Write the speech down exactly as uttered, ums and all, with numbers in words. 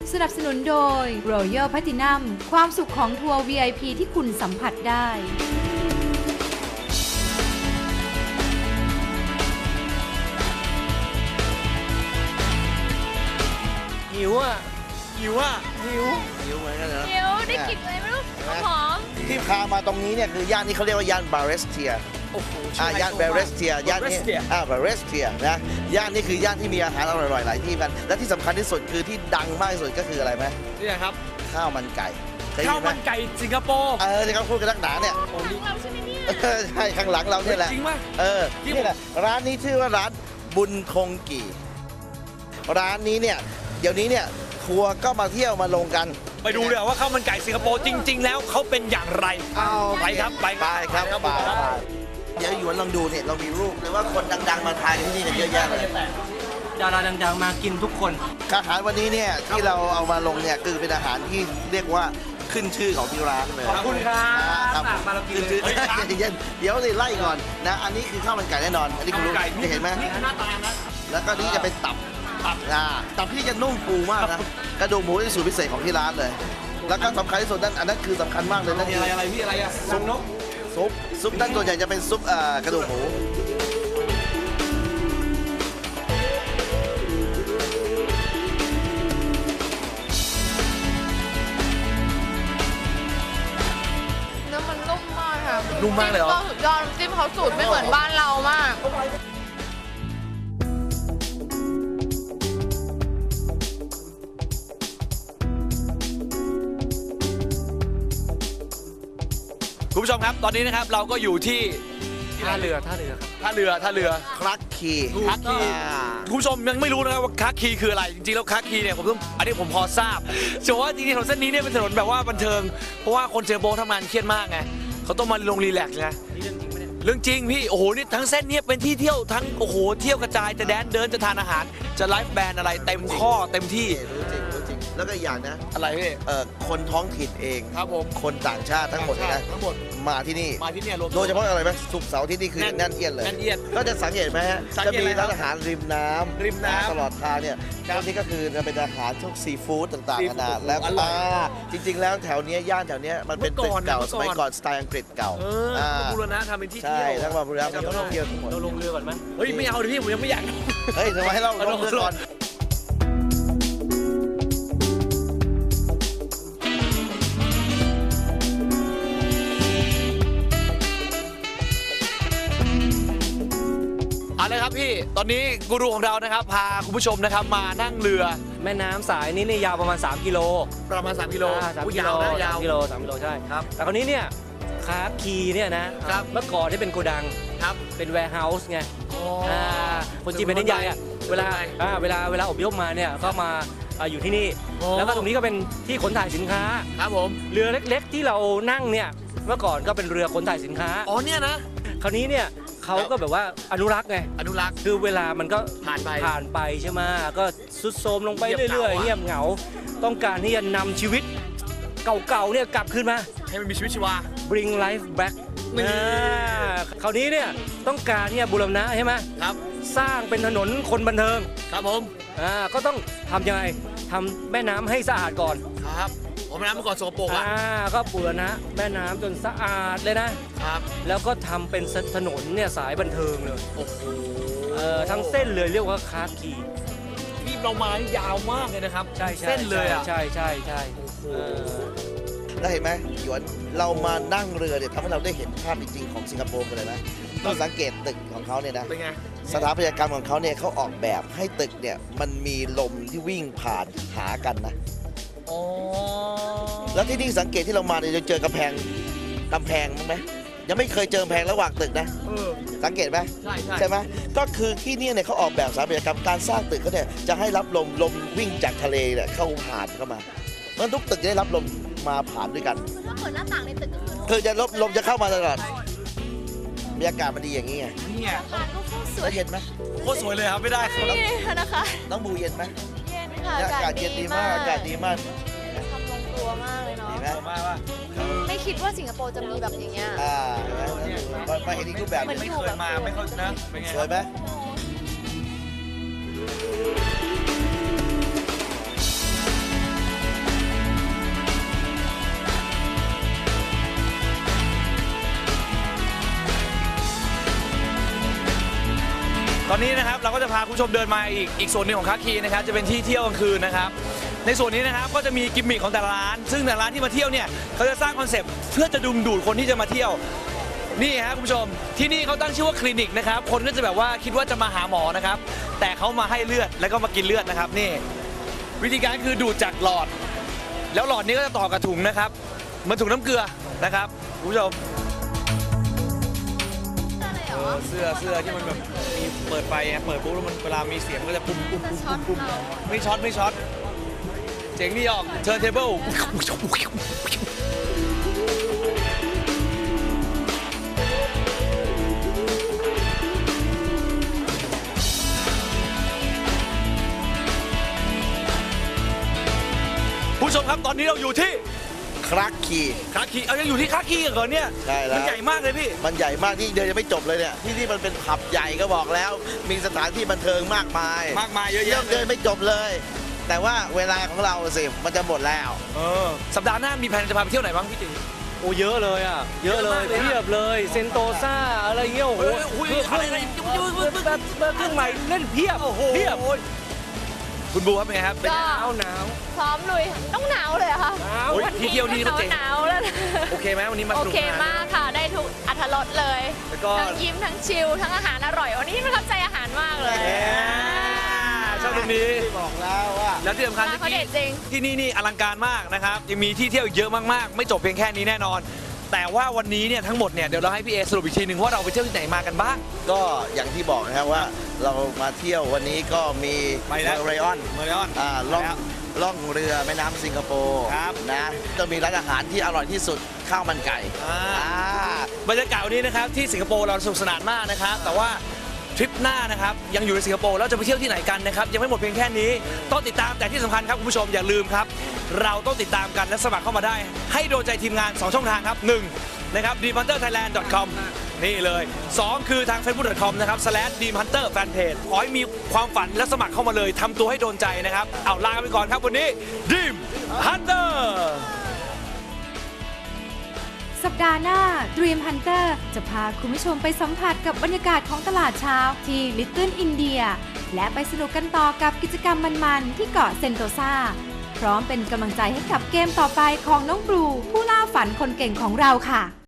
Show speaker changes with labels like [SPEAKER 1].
[SPEAKER 1] สนับสนุนโดย Royal Platinum ความสุขของทัวร์ วี ไอ พี ที่คุณสัมผัสได้
[SPEAKER 2] หิวอ่ะหิวอ่ะหิว
[SPEAKER 3] หิวเหมือนกันเหรอ
[SPEAKER 4] เดี๋ยวได้กลิ่นอะไรไม่รู้หอม
[SPEAKER 3] ที่พามาตรงนี้เนี่ยคือย่านนี้เขาเรียกว่าย่านบาเรสเทีย
[SPEAKER 2] โอ้โห
[SPEAKER 3] อ่าย่านบาเรสเทียย่านนี้อ่าบาเรสเทียนะย่านนี้คือย่านที่มีอาหารอร่อยๆหลายที่กันและที่สำคัญที่สุดคือที่ดังมากที่สุดก็คืออะไรไหม
[SPEAKER 2] นี่ครับ
[SPEAKER 3] ข้าวมันไก่เคย
[SPEAKER 2] ข้าว
[SPEAKER 3] ได้ยินไหม
[SPEAKER 2] มันไก่สิงคโปร์
[SPEAKER 3] เออที่เขาพูดกันนักหนาเนี่ย
[SPEAKER 4] ของเราใช่ไหมเนี่ย
[SPEAKER 3] เออใช่ข้างหลังเราเนี่ยแหละ
[SPEAKER 2] จริงไหม
[SPEAKER 3] เออ
[SPEAKER 2] จริง
[SPEAKER 3] นี่แหละร้านนี้ชื่อว่าร้านบุญคงกี่ร้านนี้เนี่ยเดี๋ยวนี้เนี่ยทัวร์ก็มาเที่ยวมาลงกัน
[SPEAKER 2] ไปดูเลยว่าข้าวมันไก่สิงคโปร์จริง ๆ แล้วเขาเป็นอย่างไร
[SPEAKER 3] เอา
[SPEAKER 2] ไปครับไป
[SPEAKER 3] ไปครับ
[SPEAKER 2] ครับ
[SPEAKER 3] ไปเดี๋ยวหยวนลองดูเนี่ยเรามีรูปหรือว่าคนดังๆมาทานกันที่นี่กันเยอะแยะเลย
[SPEAKER 5] ดาราดังๆมากินทุกคน
[SPEAKER 3] อาหารวันนี้เนี่ยที่เราเอามาลงเนี่ยคือเป็นอาหารที่เรียกว่าขึ้นชื่อของที่ร้านเลย
[SPEAKER 5] ขอบคุณครับ
[SPEAKER 3] ครับ
[SPEAKER 5] ฝากมาเรากิน
[SPEAKER 3] ขึ้น
[SPEAKER 5] เลย
[SPEAKER 3] ชื่อเย็นๆเดี๋ยวเลยไล่ก่อนนะอันนี้คือข้าวมันไก่แน่นอน อันนี้คุณรู้จะเห็นไหม
[SPEAKER 5] หน้าตานะ
[SPEAKER 3] แล้วก็นี่จะเป็นตับตับอ่าตับที่จะนุ่มฟูมากนะกระดูกหมูที่สูตรพิเศษของที่ร้านเลย แล้วก็สำคัญที่สุดนั่นอันนั้นคือสำคัญมากเลยนั่น
[SPEAKER 5] มี
[SPEAKER 3] คื
[SPEAKER 5] อะไร
[SPEAKER 3] อ
[SPEAKER 5] อะไรพี่อะไรอะซุปนก
[SPEAKER 3] ซุปซุปนั่นส่วนใหญ่จะเป็นซุปเอ่อกระดูกหมู
[SPEAKER 4] เนื้อมันนุ่มมากค่ะ
[SPEAKER 2] นุ่มมากเลยเหรอ
[SPEAKER 4] จิ้มก็สุดยอดจิ้มเขาสูตรไม่เหมือนบ้านเรามาก
[SPEAKER 2] คุณผู้ชมครับตอนนี้นะครับเราก็อยู่ที่
[SPEAKER 5] ท่าเรือท่าเรือครับ
[SPEAKER 2] ท่าเรือท่าเรือ
[SPEAKER 3] คลักคี
[SPEAKER 2] คักคี
[SPEAKER 3] อ่า
[SPEAKER 2] คุณผู้ชมยังไม่รู้นะครับว่าคักคีคืออะไรจริงๆแล้วคักคีเนี่ยผมต้องอันนี้ผมพอทราบแต่ว่าจริงๆถนนเส้นนี้เนี่ยเป็นถนนแบบว่าบันเทิงเพราะว่าคนเจอโบทำงานเครียดมากไงเขาต้องมาลงรีแลกซ์ไง
[SPEAKER 5] นี่เรื่องจริงไหมเนี่ย
[SPEAKER 2] เรื่องจริงพี่โอ้โหนี่ทั้งเส้นเนี้เป็นที่เที่ยวทั้งโอ้โหเที่ยวกระจายจะแดนเดินจะทานอาหาร จะไลฟ์แบนด์อะไรเต็มข้อเต็มที่
[SPEAKER 3] รู้จริงรู้จริงแล้วก็อีกอย่างนะ
[SPEAKER 2] อะไรพี่
[SPEAKER 3] เอ่อคนท้องถิ่นเอง
[SPEAKER 2] ครับผม
[SPEAKER 3] คนต่างชาติทั้งหมดเลยนะ
[SPEAKER 2] ทั้งหมด
[SPEAKER 3] มาที่นี่
[SPEAKER 2] มาที่เนี่ยรวม
[SPEAKER 3] โดยเฉพาะอะไรไหมศุกร์เสาร์ที่นี่คือ
[SPEAKER 2] แน่น
[SPEAKER 3] แน่นเอียดเลย
[SPEAKER 2] แน่นเอียด
[SPEAKER 3] ก็จะสังเกตไหมฮะ
[SPEAKER 2] สัง
[SPEAKER 3] จะ
[SPEAKER 2] เกต
[SPEAKER 3] มี
[SPEAKER 2] อะไรครับ
[SPEAKER 3] ร้านอาหารริมน้ำ
[SPEAKER 2] ริมน้ำ
[SPEAKER 3] ตลอดทางเนี่ย
[SPEAKER 2] ครับ
[SPEAKER 3] ตรงนี้ก็คือจะเป็นอาหารพวกซีฟู้ดต่าง
[SPEAKER 2] ซี
[SPEAKER 3] ๆ
[SPEAKER 2] ฟู้
[SPEAKER 3] นา
[SPEAKER 2] ด
[SPEAKER 3] นาแล้ว
[SPEAKER 2] อร่อย
[SPEAKER 3] อ่าจริง ๆ แล้วแถวเนี้ยย่านแถวเนี้ยมันเป็น
[SPEAKER 2] เมื่
[SPEAKER 3] ตึ
[SPEAKER 2] อก ก่อน
[SPEAKER 3] เก่า
[SPEAKER 2] เมื่อก่อน
[SPEAKER 3] สมัยก่อนสไตล์อังกฤษเก่า
[SPEAKER 2] เออ
[SPEAKER 3] อ่า
[SPEAKER 2] บูรณะทำเป็นที่
[SPEAKER 3] ใช่
[SPEAKER 2] เที่ยว
[SPEAKER 3] ทั้งมาบูรณะเป็นท่องเที่ยวทั้งหมด
[SPEAKER 5] เราลงเรือก่อนไหม
[SPEAKER 2] เฮ้ยไม่เอาดิพี่ผมยังไม่อยาก
[SPEAKER 3] เฮ้ยทำไมให้เรา
[SPEAKER 2] เอา
[SPEAKER 3] ล
[SPEAKER 2] ล
[SPEAKER 3] ง
[SPEAKER 2] ง
[SPEAKER 3] เรือก่อน
[SPEAKER 2] เอาเลยครับพี่ตอนนี้กูรูของเรานะครับพาคุณผู้ชมนะครับมานั่งเรือ
[SPEAKER 5] แม่น้ำสายนี้นี่ยาวประมาณ สาม กิโล
[SPEAKER 2] ประมาณสามกิโล
[SPEAKER 5] อ่าสาม
[SPEAKER 2] อุ๊ย
[SPEAKER 5] กิโล
[SPEAKER 2] ยาวนะยาว
[SPEAKER 5] สามกิโลสามกิโลใช่
[SPEAKER 2] ครับ
[SPEAKER 5] แต่คราวนี้เนี่ยคาคีเนี่ยนะครับ เมื่อก่อนที่เป็นโกดัง
[SPEAKER 2] ครับ
[SPEAKER 5] เป็นแวร์เฮาส์ไง
[SPEAKER 2] อ๋อ
[SPEAKER 5] อ่าคนจีนเป็นนินใหญ่อะเวลาอ่าเวลาเวลาอพยพมาเนี่ยก็มาอ่าอยู่ที่นี่
[SPEAKER 2] โอ้
[SPEAKER 5] แล้วก็ตรงนี้ก็เป็นที่ขนถ่ายสินค้า
[SPEAKER 2] ครับผม
[SPEAKER 5] เรือเล็กๆที่เรานั่งเนี่ยเมื่อก่อนก็เป็นเรือขนถ่ายสินค้า
[SPEAKER 2] อ๋อเนี่ยนะ
[SPEAKER 5] คราวนี้เนี่ยเขาก็แบบว่าอนุรักษ์ไง
[SPEAKER 2] อนุรักษ์
[SPEAKER 5] คือเวลามันก็
[SPEAKER 2] ผ่านไป
[SPEAKER 5] ผ่านไปใช่ไหมก็สุดโทรมลงไป
[SPEAKER 2] เงียบเหงา
[SPEAKER 5] เรื่อยๆ
[SPEAKER 2] อะ
[SPEAKER 5] เงียบเหงา ต้องการที่จะนำชีวิตเก่าๆเนี่ยกลับคืนมา
[SPEAKER 2] ให้มันมีชีวิตชีวา
[SPEAKER 5] bring life back
[SPEAKER 2] นี่
[SPEAKER 5] อ่าคราวนี้เนี่ยต้องการที่จะบูรณะใช่ไหม
[SPEAKER 2] ครับ
[SPEAKER 5] สร้างเป็นถนนคนบันเทิง
[SPEAKER 2] ครับผม
[SPEAKER 5] อ่าก็ต้องทำยังไงทำแม่น้ำให้สะอาดก่อน
[SPEAKER 2] ครับผมน้ำเมื่อก่อนโสกปรก
[SPEAKER 5] อ่า
[SPEAKER 2] อ่ะ
[SPEAKER 5] ก็บูรณะแม่น้ำจนสะอาดเลยนะ
[SPEAKER 2] ครับ
[SPEAKER 5] แล้วก็ทำเป็นถนนเนี่ยสายบันเทิงเลย
[SPEAKER 2] โอ้โห
[SPEAKER 5] เอ่อทั้งเส้นเลยเรียกว่าคาคี
[SPEAKER 2] นี่เรามานี่ยาวมากเลยนะครับ
[SPEAKER 5] ใช่ใช่
[SPEAKER 2] เส้นเลยอ่ะ
[SPEAKER 5] ใช่ใช่ใช่เออ
[SPEAKER 3] แล้วเห็นไหมหยวนเรามานั่งเรือเนี่ยทำให้เราได้เห็นภาพจริงๆของสิงคโปร์กันเลยนะต้องสังเกตตึกของเขาเนี่ยนะ
[SPEAKER 2] เป็นไง
[SPEAKER 3] สถาปัตยกรรมของเขาเนี่ยเขาออกแบบให้ตึกเนี่ยมันมีลมที่วิ่งผ่านหากันนะ
[SPEAKER 2] อ๋อ
[SPEAKER 3] แล้วที่นี่สังเกตที่เรามาเนี่ยจะเจอกำแพงกำแพงมั้งไหมยังไม่เคยเจอกำแพงระหว่างตึกนะ
[SPEAKER 2] เออ
[SPEAKER 3] สังเกตไหม
[SPEAKER 2] ใช่ใช่
[SPEAKER 3] ใช่ไหมก็คือที่เนี่ยเนี่ยเขาออกแบบสถาปัตยกรรมการสร้างตึกเขาเนี่ยจะให้รับลมลมวิ่งจากทะเลเนี่ยเข้าผ่านเข้ามาเพราะฉะนั้นทุกตึกจะได้รับลมมาผ่านด้วยกัน
[SPEAKER 4] ถ้าเปิดหน้าต่างในตึกก็คือ
[SPEAKER 3] คือจะลมลมจะเข้ามาตลอดบรรยากาศมันดีอย่างนี้ไง
[SPEAKER 2] นี่ไง
[SPEAKER 4] อาคารก็โคตรสว
[SPEAKER 3] แล้
[SPEAKER 4] ยว
[SPEAKER 3] เย็นไหม
[SPEAKER 2] โคตรสวยเลยครับไม่ได้ครับ
[SPEAKER 4] นี่นะคะ
[SPEAKER 3] น้องบูเย็นไหม
[SPEAKER 4] เย็นค่ะ
[SPEAKER 3] เนี่ยอากาศเย็นดีมากอากาศดีมาก
[SPEAKER 4] ทำลงตัวมากเลยเนาะ
[SPEAKER 3] ดีไหม
[SPEAKER 2] มากว่า
[SPEAKER 4] ไม่คิดว่าสิงคโปร์จะมีแบบอย่างเงี้ย
[SPEAKER 3] อ่ามามาเห็นอีกรูปแบบห
[SPEAKER 4] เหมื
[SPEAKER 3] นึ่
[SPEAKER 4] อน
[SPEAKER 3] ง
[SPEAKER 2] ไม่เคยมาไม่เคยนะเป็นไง
[SPEAKER 3] สวยไหม
[SPEAKER 2] อนนี้นะครับเราก็จะพาคุณผู้ชมเดินมาอีกอีกส่วนหนึ่งของคาคีนะครับจะเป็นที่เที่ยวกลางคืนนะครับในส่วนนี้นะครับก็จะมีกิมมิคของแต่ละร้าน ซึ่งแต่ละร้านที่มาเที่ยวเนี่ยเขาจะสร้างคอนเซปต์เพื่อจะดึงดูดคนที่จะมาเที่ยวนี่ฮะคุณผู้ชมที่นี่เขาตั้งชื่อว่าคลินิกนะครับคนก็จะแบบว่าคิดว่าจะมาหาหมอนะครับแต่เขามาให้เลือดแล้วก็มากินเลือดนะครับนี่วิธีการคือดูดจากหลอด แล้วหลอดนี้ก็จะต่อกับถุงนะครับเหมันถุงน้ำเกลือนะครับคุณผู้ชม
[SPEAKER 4] อะไรเหร
[SPEAKER 2] เอ
[SPEAKER 4] อ
[SPEAKER 2] อเสื้อเสื้อที่มันแบบมีเปิดไฟไงเปิดปุ๊บแล้วมันเวลามีเสียงมันก็จะปุ้มปุ้ม
[SPEAKER 4] จะ
[SPEAKER 2] ปุ้ม
[SPEAKER 4] ช็อต
[SPEAKER 2] ปุ้ม
[SPEAKER 4] เรา
[SPEAKER 2] ไม่ช็อตไม่ช็อตเจ๋งดีออกเทิร์นเทเบิลผู้ชมครับตอนนี้เราอยู่ที่
[SPEAKER 3] คลักคี
[SPEAKER 2] คาคีเอายังอยู่ที่คาคีเหรอเนี่ย
[SPEAKER 3] ใช่แล้ว
[SPEAKER 2] มันใหญ่มากเลยพี่
[SPEAKER 3] มันใหญ่มากที่เดินยังไม่จบเลยเนี่ยที่นี่มันเป็นผับใหญ่ก็บอกแล้ว มีสถานที่บันเทิงมากมาย
[SPEAKER 2] มากมายเยอะ
[SPEAKER 3] เที่ยว
[SPEAKER 2] แยะ
[SPEAKER 3] เดินไม่จบเลย แต่ว่าเวลาของเราสิมันจะหมดแล้ว
[SPEAKER 2] เออสัปดาห์หน้ามีแผนจะพาไปเที่ยวไหนบ้างพี่ตี
[SPEAKER 5] โอ้เยอะเลยอ่ะเยอะเลย
[SPEAKER 2] เยอะมากเลยอะ
[SPEAKER 5] เพียบเลยเซนโตซาอะไรเงี้ยโอ้โห
[SPEAKER 2] เฮ้ยอุ้ย
[SPEAKER 5] เครื่อง
[SPEAKER 2] อะไรอะไร
[SPEAKER 5] แบบแบบเครื่องใหม่เล่นเพียบ
[SPEAKER 2] โอ้โห
[SPEAKER 5] เพียบ
[SPEAKER 2] คุณบูครับเป็นไงครับ
[SPEAKER 4] ก็
[SPEAKER 5] หนาวหนาว
[SPEAKER 4] พร้อมลุยต้องหนาวเลยเหรอค่ะ
[SPEAKER 5] หนาว
[SPEAKER 2] โอ้ยที่เที่ยวนี่ก็เจ๋ง
[SPEAKER 4] หนาวแล้วนะ
[SPEAKER 2] โอเคไหมวันนี้มา
[SPEAKER 4] โอ
[SPEAKER 2] สนุก
[SPEAKER 4] เค
[SPEAKER 2] สนาน
[SPEAKER 4] มากค่ะ ได้ทุกอรรถรสเลย
[SPEAKER 2] แล้วก็
[SPEAKER 4] ทั้งยิ้มทั้งชิลทั้งอาหารอร่อยวันนี้ประทับใจอาหารมากเลย
[SPEAKER 2] แหมชอบตรงนี้
[SPEAKER 3] บอกแล้วว่า
[SPEAKER 2] แล้วที่สำคัญ
[SPEAKER 4] ร้านเขา
[SPEAKER 2] ที่
[SPEAKER 4] เด็ดจริง
[SPEAKER 2] ที่นี่นี่อลังการมากนะครับยังมีที่เที่ยวอีกเยอะมากๆ ไม่จบเพียงแค่นี้แน่นอน แต่ว่าวันนี้เนี่ยทั้งหมดเนี่ยเดี๋ยวเราให้พี่เอสรุปอีกทีหนึ่งว่าเราไปเที่ยวที่ไหนมากันบ้าง
[SPEAKER 3] ก็อย่างที่บอกนะครับว่าเรามาเที่ยววันนี้ก็มี
[SPEAKER 2] ไปแล้ว
[SPEAKER 3] เมอร์ไรออน
[SPEAKER 2] เมอร์ไลออน
[SPEAKER 3] อ่าล่อง
[SPEAKER 2] แล้ว
[SPEAKER 3] ล่องเรือแม่น้ำสิงคโปร์
[SPEAKER 2] ครับ
[SPEAKER 3] นะจะมีร้านอาหารที่อร่อยที่สุดข้าวมันไก่
[SPEAKER 2] อ่า
[SPEAKER 3] อ่า
[SPEAKER 2] บรรยากาศวันนี้นะครับที่สิงคโปร์เราสนุกสนานมากนะครับแต่ว่าทริปหน้านะครับยังอยู่ในสิงคโปร์แล้วจะไปเที่ยวที่ไหนกันนะครับยังไม่หมดเพียงแค่นี้ต้องติดตามแต่ที่สำคัญครับคุณผู้ชมอย่าลืมครับเราต้องติดตามกันและสมัครเข้ามาได้ ให้โดนใจทีมงาน สอง ช่องทางครับหนึ่งนะครับ ดีมฮันเตอร์ไทยแลนด์ ดอท คอม นี่เลยสองคือทาง เฟซบุ๊ก ดอท คอม นะครับ สแลช ดีมฮันเตอร์ แฟนเพจขอให้มีความฝันและสมัครเข้ามาเลยทำตัวให้โดนใจนะครับเอาลาไปก่อนครับวันนี้ Dream Hunter
[SPEAKER 1] สัปดาห์หน้า Dream Hunter จะพาคุณผู้ชมไปสัมผัสกับบรรยากาศของตลาดเช้าที่ Little India และไปสนุกกันต่อกับกิจกรรมมันๆที่เกาะเซนโตซาพร้อมเป็นกำลังใจให้กับเกมต่อไปของน้องบลูผู้ล่าฝันคนเก่งของเราค่ะ